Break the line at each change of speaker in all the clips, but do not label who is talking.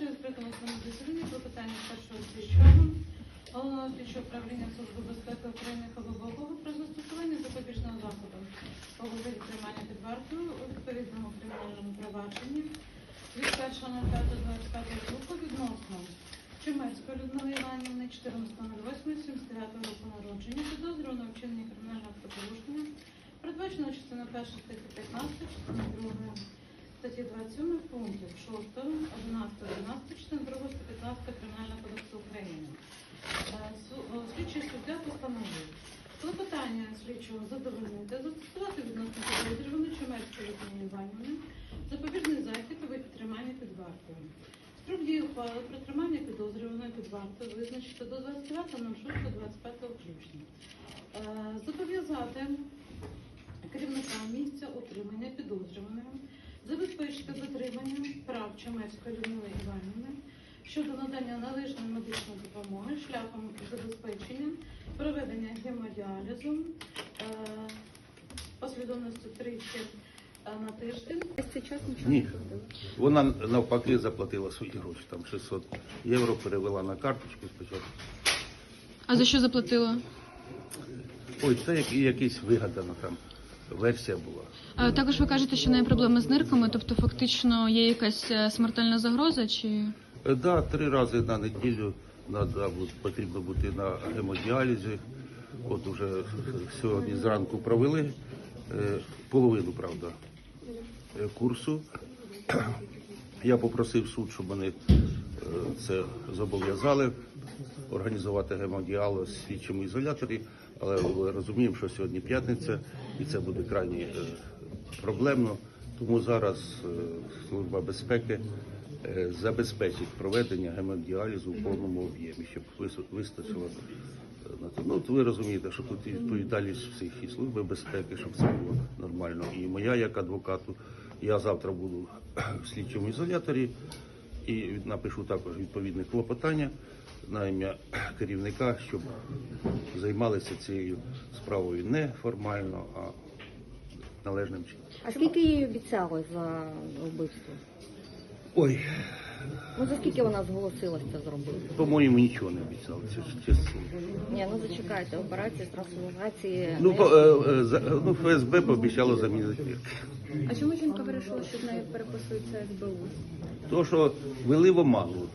Оголошую відкритому своєму засіданні про питання першого слідчого Головного слідчого управління Служби безпеки України Хабабового про застосування запобіжного заходу у вигляді тримання під вартою у відповідному кримінальному провадженні від 1.05.25 року відносно Чемецької Людмили Іванівни 14.08.79 року народження, підозрюваного вчинення кримінального правопорушення, передбачено частиною 1 статті 15, частиною 2 статті 27 пунктів 6, 11, 12, частиною 2 статті 15 Кримінального кодексу України. Слідчий суддя постановив клопотання слідчого задовольнити, застосувати відносно підозрюваної Чемецької Людмили Іванівни запобіжний захід у виді тримання під вартою. Строк дії ухвали про тримання підозрюваної під вартою визначити до 29.06.25 включно. Зобов'язати керівника місця утримання підозрюваного забезпечити дотримання прав Чемецької Людмили Іванівни щодо надання належної медичної допомоги шляхом забезпечення проведення гемодіалізу послідовністю 3 на тиждень.
Ні, вона навпаки заплатила свої гроші, там 600 євро перевела на карточку спочатку.
А за що заплатила?
Ой, це якась вигадана там версія була.
Також ви кажете, що в неї проблеми з нирками, тобто фактично є якась смертельна загроза, чи...
Да, 3 рази на неділю потрібно бути на гемодіалізі. От уже сьогодні зранку провели половину, правда, курсу. Я попросив суд, щоб вони це зобов'язали, організувати гемодіаліз в слідчому ізоляторі, але ми розуміємо, що сьогодні п'ятниця і це буде крайні проблемно, тому зараз Служба безпеки забезпечить проведення гемодіалізу в повному об'ємі, щоб вистачило на це. Ну, ви розумієте, що тут відповідальність всіх і Служби безпеки, щоб це було нормально. І моя як адвокату, я завтра буду в слідчому ізоляторі і напишу також відповідне клопотання на ім'я керівника, щоб займалися цією справою не формально, а належним чином.
А скільки їй обіцяли за вбивство?
Ой,
Ну за скільки вона зголосилася це зробити?
по-моєму, нічого не обіцяли, чесно.
Ні, ну зачекайте, операції з трансформації.
Ну, ФСБ пообіцяло замінити вірки.
А чому жінка вирішила, що в неї переписується СБУ?
Тому що вели в оману,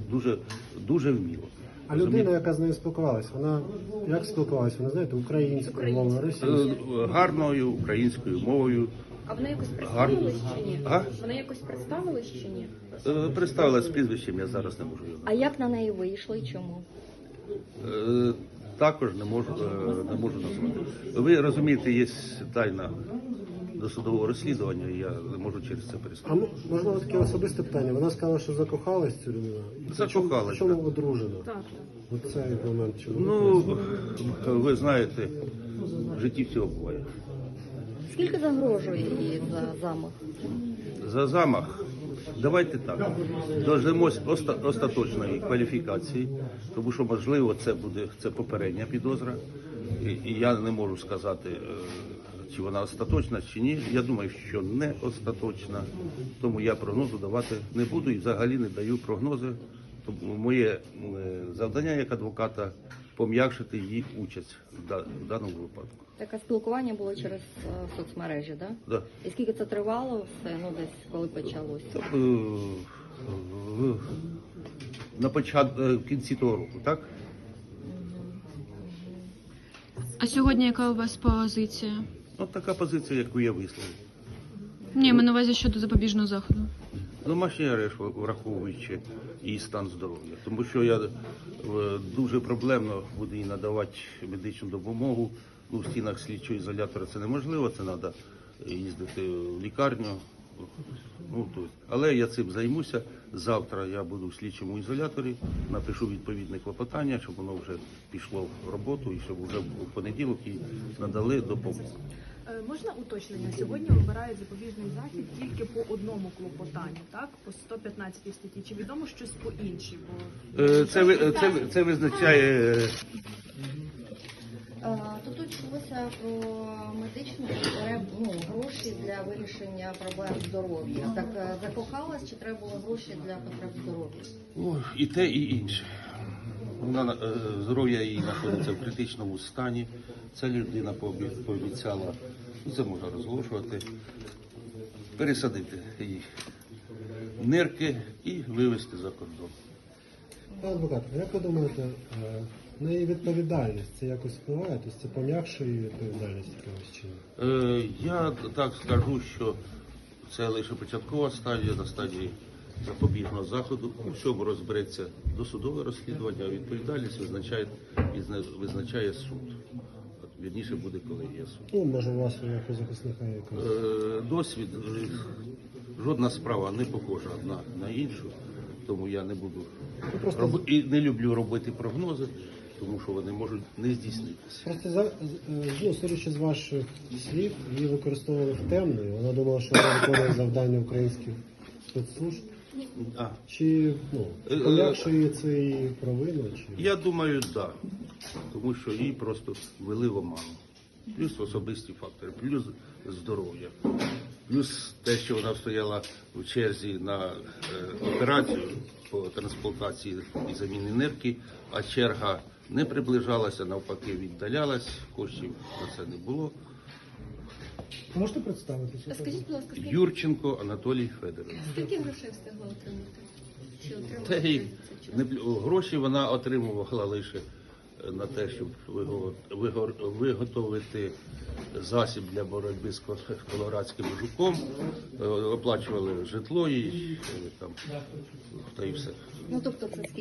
дуже вміло.
А людина, яка з нею спілкувалася, вона як спілкувалася? Вона, знаєте, українською мовою, російською?
Гарною українською мовою.
А вона якось представилась чи ні?
А?
Вона якось представилась чи ні?
Представилась з прізвищем, я зараз не можу його
А як на неї вийшло і чому?
назвати. Також не можу назвати. Ви розумієте, є тайна досудового розслідування, і я не можу через це
А
перестати.
можливо таке особисте питання? Вона сказала, що закохалась в цю людину.
Закохалась,
В чому
так.
одружена?
Так.
Оцей момент чому?
Ну, ви знаєте, в житті всього буває.
Скільки загрожує їй за замах?
За замах, давайте так, дождемось остаточної кваліфікації, тому що, можливо, це попередня підозра, і я не можу сказати, чи вона остаточна, чи ні. Я думаю, що не остаточна, тому я прогнозу давати не буду і взагалі не даю прогнози. Тому моє завдання як адвоката – пом'якшити її участь в даному випадку.
Таке спілкування було через соцмережі, так?
Да.
І скільки це тривало все, ну десь коли почалося?
На початку, в кінці того року, так?
А сьогодні яка у вас позиція?
От така позиція, яку я висловив.
Ні, ми на увазі щодо запобіжного заходу.
Домашній арешт, враховуючи її стан здоров'я. Тому що я дуже проблемно буду їй надавати медичну допомогу. Ну, в стінах слідчого ізолятора це неможливо, це треба їздити в лікарню. Ну, але я цим займуся. Завтра я буду в слідчому ізоляторі, напишу відповідне клопотання, щоб воно вже пішло в роботу і щоб вже в понеділок їй надали допомогу.
Можна уточнення? Сьогодні вибирають запобіжний захід тільки по одному клопотанню, так? По 115 статті. Чи відомо щось по іншій?
Це визначає
Тут йшлося про медичну гроші для вирішення проблем здоров'я. Так закохалась, чи треба було гроші для потреб здоров'я?
О, і те, і інше. Здоров'я її знаходиться в критичному стані. Ця людина пообіцяла, це можна розголошувати, пересадити її нирки і вивезти за кордон.
Пане адвокат, а як ви думаєте, на її відповідальність це якось впливає? Тобто це пом'якшує її відповідальність якимось чином?
Я так скажу, що це лише початкова стадія, на стадії запобіжного заходу. У всьому розбереться досудове розслідування, а відповідальність визначає суд. Вірніше буде колегія суду.
Ну, може, у вас як у захисника якось.
Досвід, жодна справа не похожа одна на іншу, тому я не буду
просто-
і не люблю робити прогнози, тому що вони можуть не здійснитися.
Просто судячи з ваших слів, її використовували в темну, і вона думала, що вона виконує завдання українських спецслужб.
А,
Чи пом'якшує це її провину? Чи...
я думаю, так. Да. Тому що її просто ввели в оману. Плюс особисті фактори, плюс здоров'я, плюс те, що вона стояла в черзі на операцію по трансплантації і заміні нирки, а черга не приближалася, навпаки віддалялась, коштів на це не було.
Можете представитися?
Скажіть, будь ласка,
Юрченко Анатолій Федорович.
скільки грошей встигла отримати? Чи отримала
Та й
за цей час?
гроші вона отримувала лише на те, щоб виготовити засіб для боротьби з колорадським жуком, оплачували житло і там, та й все.
Ну тобто це скільки?